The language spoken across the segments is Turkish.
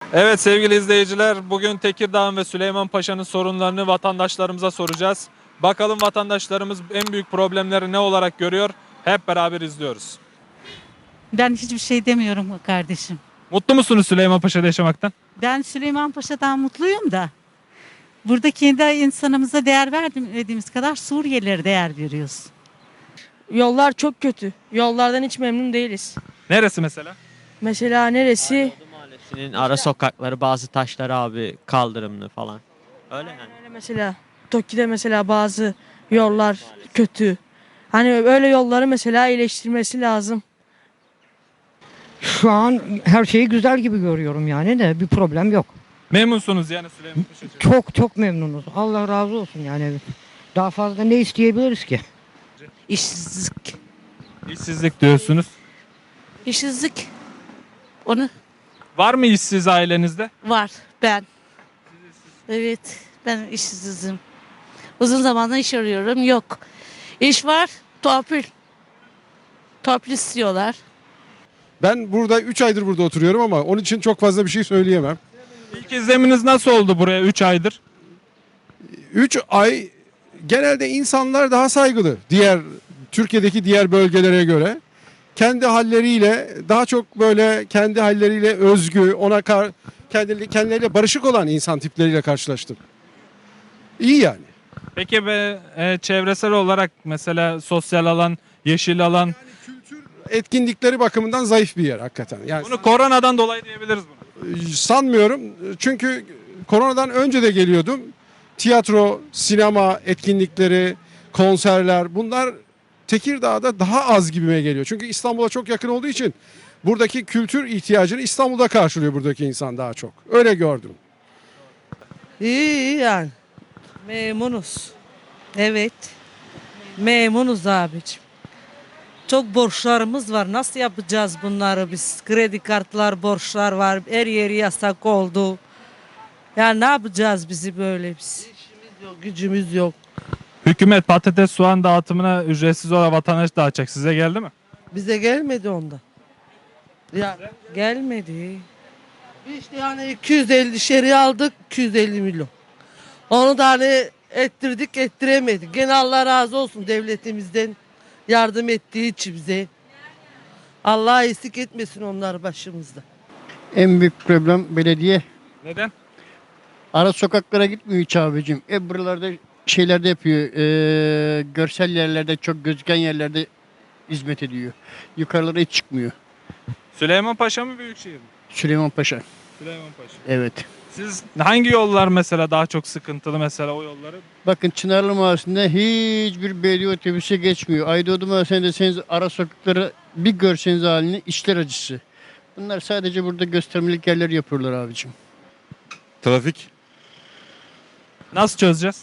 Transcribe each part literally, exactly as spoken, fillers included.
Evet sevgili izleyiciler, bugün Tekirdağ ve Süleymanpaşa'nın sorunlarını vatandaşlarımıza soracağız. Bakalım vatandaşlarımız en büyük problemleri ne olarak görüyor? Hep beraber izliyoruz. Ben hiçbir şey demiyorum kardeşim. Mutlu musunuz Süleymanpaşa'da yaşamaktan? Ben Süleymanpaşa'dan mutluyum da buradaki de insanımıza değer verdiğimiz kadar Suriyelilere değer veriyoruz. Yollar çok kötü. Yollardan hiç memnun değiliz. Neresi mesela? Mesela neresi? Aydoğdu Mahallesi'nin ara sokakları, bazı taşları abi kaldırımlı falan. Öyle yani. Öyle mesela Toki'de mesela bazı yollar kötü. Hani öyle yolları mesela iyileştirmesi lazım. Şu an her şeyi güzel gibi görüyorum yani de bir problem yok. Memnunsunuz yani Süleymanpaşa'da. Çok çok memnunuz. Allah razı olsun yani. Daha fazla ne isteyebiliriz ki? İşsizlik. İşsizlik diyorsunuz. İşsizlik. Onu Var mı işsiz ailenizde? var ben. Evet ben işsizim. Uzun zamandır iş arıyorum yok. İş var torpil. Torpil istiyorlar. Ben burada üç aydır burada oturuyorum ama onun için çok fazla bir şey söyleyemem. İlk izleminiz nasıl oldu buraya üç aydır? üç ay genelde insanlar daha saygılı diğer Türkiye'deki diğer bölgelere göre. Kendi halleriyle daha çok böyle kendi halleriyle özgü, ona kar, kendileri, kendileriyle barışık olan insan tipleriyle karşılaştım. İyi yani. Peki be, e, çevresel olarak mesela sosyal alan, yeşil alan, Etkinlikleri bakımından zayıf bir yer hakikaten. Yani bunu koronadan dolayı diyebiliriz bunu. sanmıyorum çünkü koronadan önce de geliyordum. Tiyatro, sinema etkinlikleri, konserler bunlar Tekirdağ'da daha az gibime geliyor. Çünkü İstanbul'a çok yakın olduğu için buradaki kültür ihtiyacını İstanbul'da karşılıyor buradaki insan daha çok. Öyle gördüm. İyi iyi yani. Memnunuz. Evet. Memnunuz abicim. Çok borçlarımız var. Nasıl yapacağız bunları biz? Kredi kartlar, borçlar var. Her yeri yasak oldu. Ya ne yapacağız bizi böyle biz? İşimiz yok, gücümüz yok. Hükümet patates soğan dağıtımına ücretsiz olarak vatandaş dağıtacak. Size geldi mi? Bize gelmedi onda. Ya gelmedi. İşte yani iki yüz elli şeri aldık, iki yüz elli milyon. Onu da hani ettirdik, ettiremedik. Gene Allah razı olsun devletimizden yardım ettiği için bize. Allah eksik etmesin onlar başımızda. En büyük problem belediye. Neden? Ara sokaklara gitmiyor hiç abicim. E buralarda şeylerde yapıyor. E, görsel yerlerde, çok gözüken yerlerde hizmet ediyor. Yukarılara hiç çıkmıyor. Süleymanpaşa mı Büyükşehir mi? Süleymanpaşa. Süleymanpaşa. Evet. Siz hangi yollar mesela daha çok sıkıntılı mesela o yolları? Bakın Çınarlı Mahallesi'nde hiçbir belediye otobüsü geçmiyor. Aydoğdu Mahallesi'nde seniz ara sokakları bir görseniz halini işler acısı. Bunlar sadece burada göstermelik yerler yapıyorlar abicim. Trafik. Nasıl çözeceğiz?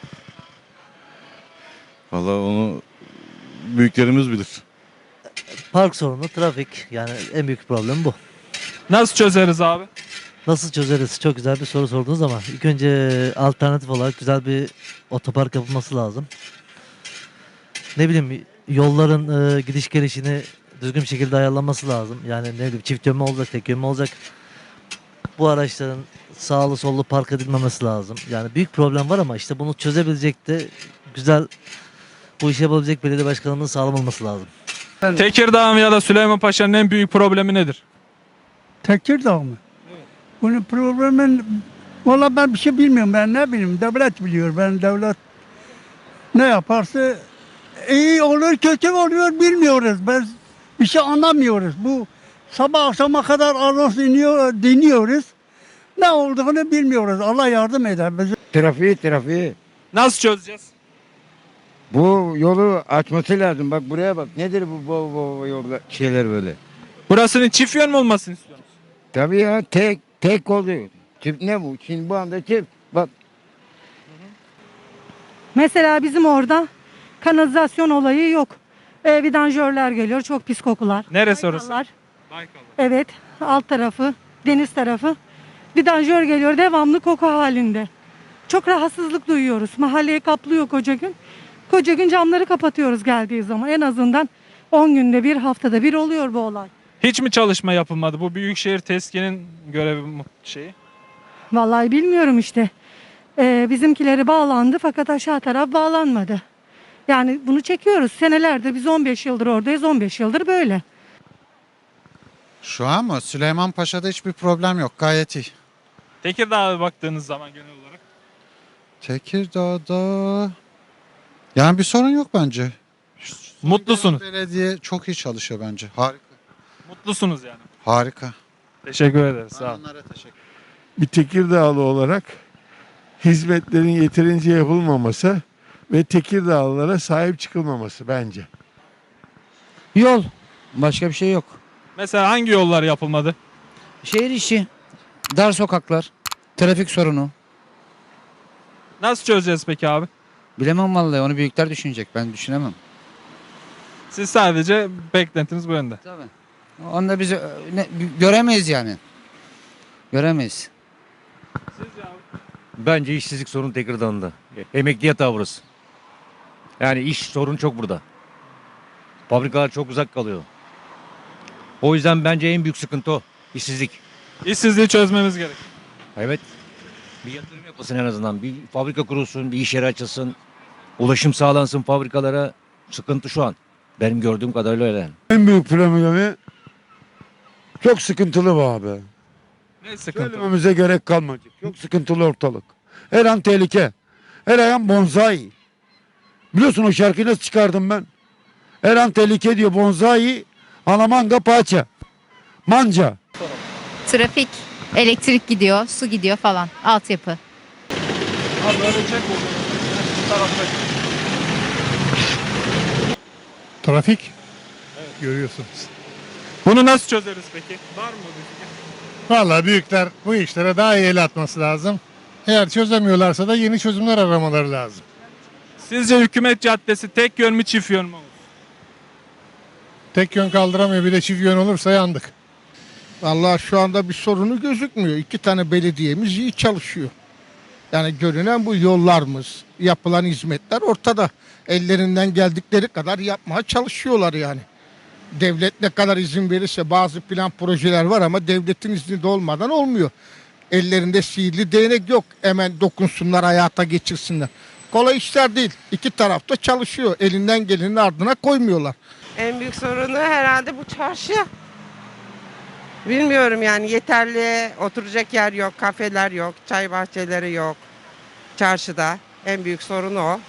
Vallahi onu büyüklerimiz bilir. Park sorunu, trafik. Yani en büyük problem bu. Nasıl çözeriz abi? Nasıl çözeriz? Çok güzel bir soru sordunuz ama ilk önce alternatif olarak güzel bir otopark yapılması lazım. Ne bileyim yolların e, gidiş gelişini düzgün bir şekilde ayarlanması lazım. Yani ne bileyim çift yönlü olacak, tek yönlü olacak. Bu araçların sağlı sollu park edilmemesi lazım. Yani büyük problem var ama işte bunu çözebilecek de güzel bu işi yapabilecek belediye başkanlığının sağlam olması lazım. Tekirdağ ya da Süleymanpaşa'nın en büyük problemi nedir? Tekirdağ mı? Evet. Bunun problemin valla ben bir şey bilmiyorum, ben ne bileyim, devlet biliyor. Ben devlet ne yaparsa iyi olur kötü oluyor bilmiyoruz. Ben bir şey anlamıyoruz. Bu sabah akşama kadar anons dinliyor, dinliyoruz. Ne olduğunu bilmiyoruz. Allah yardım eder bize. Trafiği trafiği. Nasıl çözeceğiz? Bu yolu açması lazım. Bak buraya bak. Nedir bu bu, bu, bu yolda şeyler böyle? Burasının çift yön mü olmasını istiyorsunuz? Tabii ya tek tek oluyor. Çift ne bu? Şimdi bu anda çift. Bak. Mesela bizim orada kanalizasyon olayı yok. E, vidanjörler geliyor. Çok pis kokular. Neresi orası? Baykallar. Baykal. Evet. Alt tarafı. Deniz tarafı. Vidanjör geliyor. Devamlı koku halinde. Çok rahatsızlık duyuyoruz. Mahalleyi kaplıyor koca gün. Koca gün camları kapatıyoruz geldiği zaman. En azından on günde bir haftada bir oluyor bu olay. Hiç mi çalışma yapılmadı? Bu Büyükşehir TESKİ'nin görevi mu şeyi? Vallahi bilmiyorum işte. Ee, bizimkileri bağlandı fakat aşağı taraf bağlanmadı. Yani bunu çekiyoruz. Senelerdir biz on beş yıldır oradayız. on beş yıldır böyle. Şu an mı? Süleymanpaşa'da hiçbir problem yok. Gayet iyi. Tekirdağ'a baktığınız zaman genel olarak. Tekirdağ'da yani bir sorun yok bence. Mutlusunuz. Belediye çok iyi çalışıyor bence. Harika. Mutlusunuz yani. Harika. Teşekkür ederiz. Sağ olun. Onlara teşekkür Bir Tekirdağlı olarak hizmetlerin yeterince yapılmaması ve Tekirdağlılara sahip çıkılmaması bence. Yol. Başka bir şey yok. Mesela hangi yollar yapılmadı? Şehir içi, dar sokaklar, trafik sorunu. Nasıl çözeceğiz peki abi? Bilemem vallahi, onu büyükler düşünecek. Ben düşünemem. Siz sadece beklentiniz bu yönde. Tabii. Onu da biz e, ne- göremeyiz yani. Göremeyiz. Bence işsizlik sorunu Tekirdağ'da. Emekli yatağı burası. Yani iş sorunu çok burada. Fabrikalar çok uzak kalıyor. O yüzden bence en büyük sıkıntı o. İşsizlik. İşsizliği çözmemiz gerek. Evet. Bir yatırım yapılsın en azından. Bir fabrika kurulsun, bir iş yeri açılsın. Ulaşım sağlansın fabrikalara. Sıkıntı şu an. Benim gördüğüm kadarıyla öyle. En büyük problemi çok sıkıntılı bu abi. Ne sıkıntı? Söylememize gerek kalmayacak. Çok sıkıntılı ortalık. Her an tehlike. Her an bonsai. Biliyorsun o şarkıyı nasıl çıkardım ben? Her an tehlike diyor bonsai. Alamanga paça. Manca. Trafik, elektrik gidiyor, su gidiyor falan. Altyapı. Abi öyle çek bu tarafta. Trafik. Görüyorsunuz. Bunu nasıl çözeriz peki? Var mı bir fikir? Vallahi büyükler bu işlere daha iyi el atması lazım. Eğer çözemiyorlarsa da yeni çözümler aramaları lazım. Sizce hükümet caddesi tek yön mü çift yön mü olur? Tek yön kaldıramıyor, bir de çift yön olursa yandık. Vallahi şu anda bir sorunu gözükmüyor. İki tane belediyemiz iyi çalışıyor. Yani görünen bu yollarımız, yapılan hizmetler ortada. Ellerinden geldikleri kadar yapmaya çalışıyorlar yani. Devlet ne kadar izin verirse bazı plan projeler var ama devletin izni de olmadan olmuyor. Ellerinde sihirli değnek yok. Hemen dokunsunlar, hayata geçirsinler. Kolay işler değil. İki tarafta çalışıyor. Elinden gelenin ardına koymuyorlar. En büyük sorunu herhalde bu çarşı. Bilmiyorum yani, yeterli oturacak yer yok, kafeler yok, çay bahçeleri yok çarşıda. En büyük sorun o.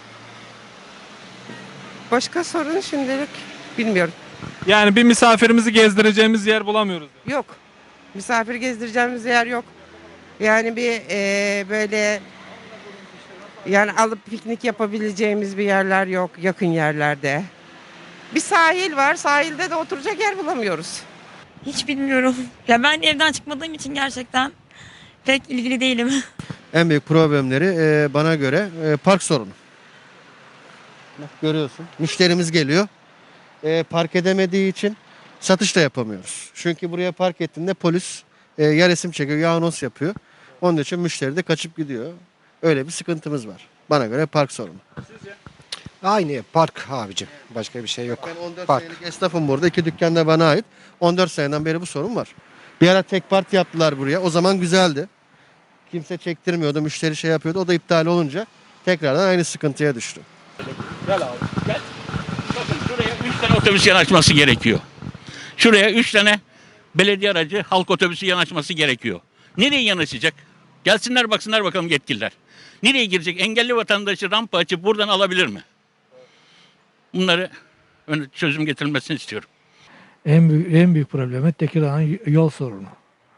Başka sorun şimdilik bilmiyorum. Yani bir misafirimizi gezdireceğimiz yer bulamıyoruz. Yok. Misafir gezdireceğimiz yer yok. Yani bir eee, böyle yani alıp piknik yapabileceğimiz bir yerler yok yakın yerlerde. Bir sahil var. Sahilde de oturacak yer bulamıyoruz. Hiç bilmiyorum. Ya ben evden çıkmadığım için gerçekten pek ilgili değilim. En büyük problemleri e, bana göre e, park sorunu. Bak görüyorsun. Müşterimiz geliyor. E, park edemediği için satış da yapamıyoruz. Çünkü buraya park ettiğinde polis e, ya resim çekiyor ya anons yapıyor. Onun için müşteri de kaçıp gidiyor. Öyle bir sıkıntımız var. Bana göre park sorunu. Aynı park abicim. Başka bir şey yok. Ben on dört Park. senelik esnafım burada. İki dükkan da bana ait. on dört seneden beri bu sorun var. Bir ara tek park yaptılar buraya. O zaman güzeldi. Kimse çektirmiyordu. Müşteri şey yapıyordu. O da iptal olunca tekrardan aynı sıkıntıya düştü. Gel abi gel. Bakın şuraya üç tane otobüs yanaşması gerekiyor. Şuraya üç tane belediye aracı halk otobüsü yanaşması gerekiyor. Nereye yanaşacak? Gelsinler baksınlar bakalım yetkililer. Nereye girecek? Engelli vatandaşı rampa açıp buradan alabilir mi? Bunları çözüm getirilmesini istiyorum. En büyük, en büyük problemi Tekirdağ'ın yol sorunu.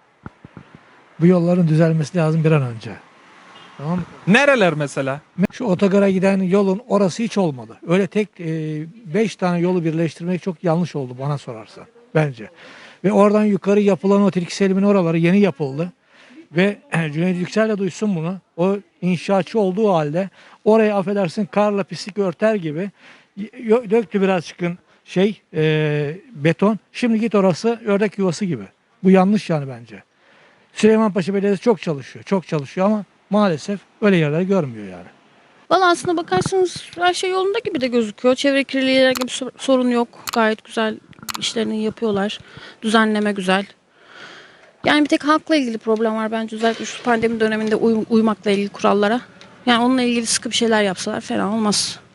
Bu yolların düzelmesi lazım bir an önce. Tamam mı? Nereler mesela? Şu otogara giden yolun orası hiç olmadı. Öyle tek e, beş tane yolu birleştirmek çok yanlış oldu bana sorarsan bence. Ve oradan yukarı yapılan o Tilki Selim'in oraları yeni yapıldı. Ve e, Cüneyt Yüksel de duysun bunu. O inşaatçı olduğu halde oraya affedersin karla pislik örter gibi y- döktü biraz çıkın şey e, beton. Şimdi git orası ördek yuvası gibi. Bu yanlış yani bence. Süleymanpaşa Belediyesi çok çalışıyor. Çok çalışıyor ama maalesef öyle yerler görmüyor yani. Valla aslında bakarsanız her şey yolunda gibi de gözüküyor. Çevre kirliliği herhangi bir sorun yok. Gayet güzel işlerini yapıyorlar. Düzenleme güzel. Yani bir tek halkla ilgili problem var bence özellikle şu pandemi döneminde uy- uymakla ilgili kurallara. Yani onunla ilgili sıkı bir şeyler yapsalar fena olmaz.